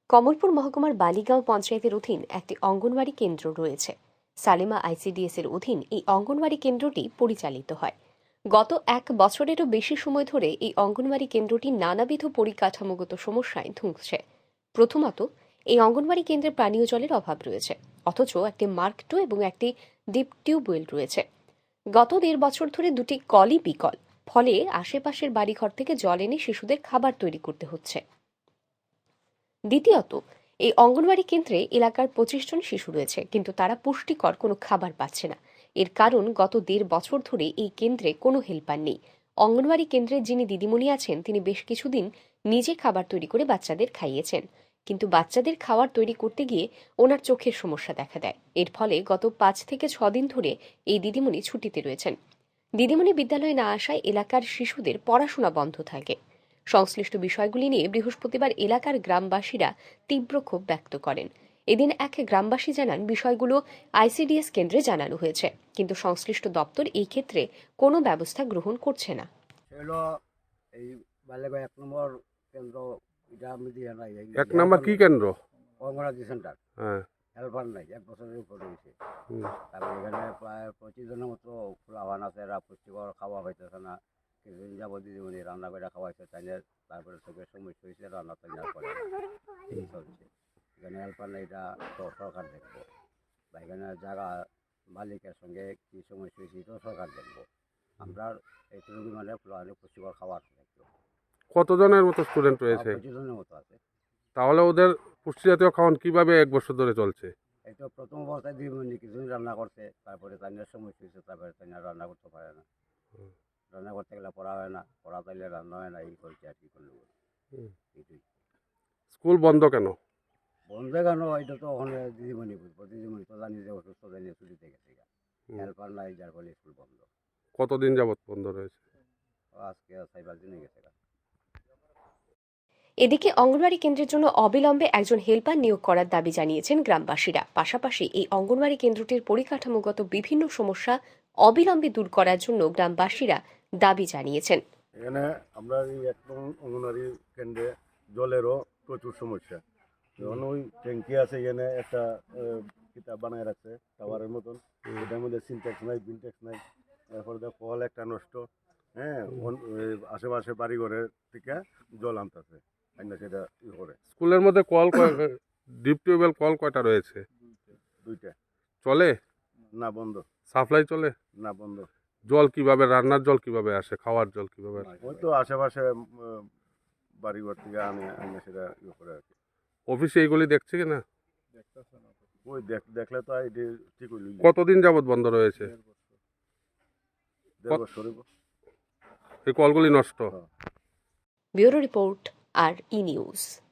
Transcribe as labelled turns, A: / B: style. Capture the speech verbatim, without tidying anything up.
A: কমলপুর মহকুমার বালিগাঁও পঞ্চায়েতের অধীন একটি অঙ্গনওয়াড়ি কেন্দ্র রয়েছে। সালেমা আইসিডিএস এর অধীন এই অঙ্গনওয়াড়ি কেন্দ্রটি পরিচালিত হয়। গত এক বছরেরও বেশি সময় ধরে এই অঙ্গনওয়াড়ি কেন্দ্রটি নানাবিধ পরিকাঠামোগত সমস্যায় ধুঁকছে। প্রথমত, এই অঙ্গনওয়াড়ি কেন্দ্রে পানীয় জলের অভাব রয়েছে, অথচ একটি মার্ক টু এবং একটি ডিপ টিউবওয়েল রয়েছে। গত দেড় বছর ধরে দুটি কলই বিকল, ফলে আশেপাশের বাড়িঘর থেকে জল এনে শিশুদের খাবার তৈরি করতে হচ্ছে। দ্বিতীয়ত, এই অঙ্গনওয়াড়ি কেন্দ্রে এলাকার পঁচিশ জন শিশু রয়েছে, কিন্তু তারা পুষ্টিকর কোনো খাবার পাচ্ছে না। এর কারণ, গত দেড় বছর ধরে এই কেন্দ্রে কোনো হেল্পার নেই। অঙ্গনওয়াড়ি কেন্দ্রের যিনি দিদিমণি আছেন, তিনি বেশ কিছুদিন নিজে খাবার তৈরি করে বাচ্চাদের খাইয়েছেন, কিন্তু বাচ্চাদের খাবার তৈরি করতে গিয়ে ওনার চোখের সমস্যা দেখা দেয়। এর ফলে গত পাঁচ থেকে ছ দিন ধরে এই দিদিমণি ছুটিতে রয়েছেন। দিদিমণি বিদ্যালয়ে না আসায় এলাকার শিশুদের পড়াশোনা বন্ধ থাকে। সংশ্লিষ্ট বিষয়গুলি নিয়ে বৃহস্পতিবার এলাকার গ্রামবাসীরা তীব্র ক্ষোভ ব্যক্ত করেন। এদিন এক গ্রামবাসী জানান, বিষয়গুলো আইসিডিএস কেন্দ্রে জানানো হয়েছে, কিন্তু সংশ্লিষ্ট দপ্তর এই ক্ষেত্রে কোনো ব্যবস্থা গ্রহণ করছে না।
B: এই বালেগাঁও এক নম্বর কেন্দ্র, এটা আমি দিয়ে নাই।
C: এক নম্বর কি কেন্দ্র?
B: অঙ্গনাদি সেন্টার।
C: হ্যাঁ,
B: হেল্পার নাই, এক বছরের উপরে হয়েছে। তারপরে এখানে প্রায় পঁচিশ জনের মতো ফুলাবান আছে, এরা পুষ্টিকর খাওয়া পাইতেছে না। কিছুদিন যাবো দিদিমণি রান্না করে খাওয়াইছে, তাই তারপরে চোখের সমস্যা হয়েছে, রান্না তাই করে এই চলছে। এখানে হেল্পার নাই, এটা তো সরকার দেখবো, বা এখানে জায়গা মালিকের সঙ্গে কী সমস্যা হয়েছে এটাও সরকার দেখবো। আমরা এইটুকু মানে ফুলাবানে পুষ্টিকর খাবার দেখবো।
C: কতজনের মতো স্টুডেন্ট রয়েছে?
B: পঁচিশ জনের মতো আছে।
C: তাহলে ওদের পুষ্টি জাতীয় খাওয়ান কিভাবে এক বছর ধরে চলছে?
B: এই তো প্রথম অবস্থায় দিদিমণি কিছুদিন রান্না করছে, তারপরে তাইনের সমস্যা হয়েছে, তারপরে তাইনা রান্না করতে পারে না। রান্না করতে গেলে পড়া হয় না, পড়া তাইলে রান্না হয় না, এই করছে আর কি করলো। এইটাই।
C: স্কুল বন্ধ কেন?
B: বন্ধ কেন, এটা তো ওখানে দিদিমণি বুঝবো। দিদিমণি তো জানি যে অসুস্থ, জানিয়ে ছুটিতে গেছে, হেল্পার নাই, যার ফলে স্কুল বন্ধ।
C: কতদিন যাবত বন্ধ রয়েছে?
B: আজকে ছয় পাঁচ দিনে গেছে।
A: এদিকে অঙ্গনওয়াড়ি কেন্দ্রের জন্য অবিলম্বে একজন হেল্পার নিয়োগ করার দাবি জানিয়েছেন গ্রামবাসীরা। পাশাপাশি এই অঙ্গনওয়াড়ি কেন্দ্রটির পরিকাঠামোগত বিভিন্ন সমস্যা অবিলম্বে দূর করার জন্য গ্রামবাসীরা দাবি জানিয়েছেন।
D: এখানে আমরা এই এক অঙ্গনওয়াড়ি কেন্দ্রে জলেরও প্রচুর সমস্যা। যখন ওই ট্যাঙ্কি আছে, এখানে একটা কিতাব বানায় রাখছে টাওয়ারের মতন, এটার মধ্যে সিনট্যাক্স নাই, বিনট্যাক্স নাই। তারপরে দেখ কল একটা নষ্ট, হ্যাঁ, আশেপাশে বাড়িঘরের থেকে জল আনতেছে, সেটা ই করে।
C: স্কুলের মধ্যে কল ডিপ টিউবওয়েল কল কয়টা রয়েছে?
D: দুইটা।
C: চলে
D: না, বন্ধ।
C: সাপ্লাই চলে
D: না, বন্ধ।
C: জল কিভাবে, রান্নার জল কিভাবে আসে, খাওয়ার জল কিভাবে আসে?
D: ওই তো আশেপাশে বাড়িঘর থেকে আনে, আনে সেটা ই করে আর কি।
C: অফিসে এইগুলি দেখছে কিনা?
D: ওই দেখলে তো এটি ঠিক হইল।
C: কতদিন যাবত বন্ধ রয়েছে?
D: দেড় বছর।
C: এই কলগুলি নষ্ট।
A: ব্যুরো রিপোর্ট, আর ই নিউজ।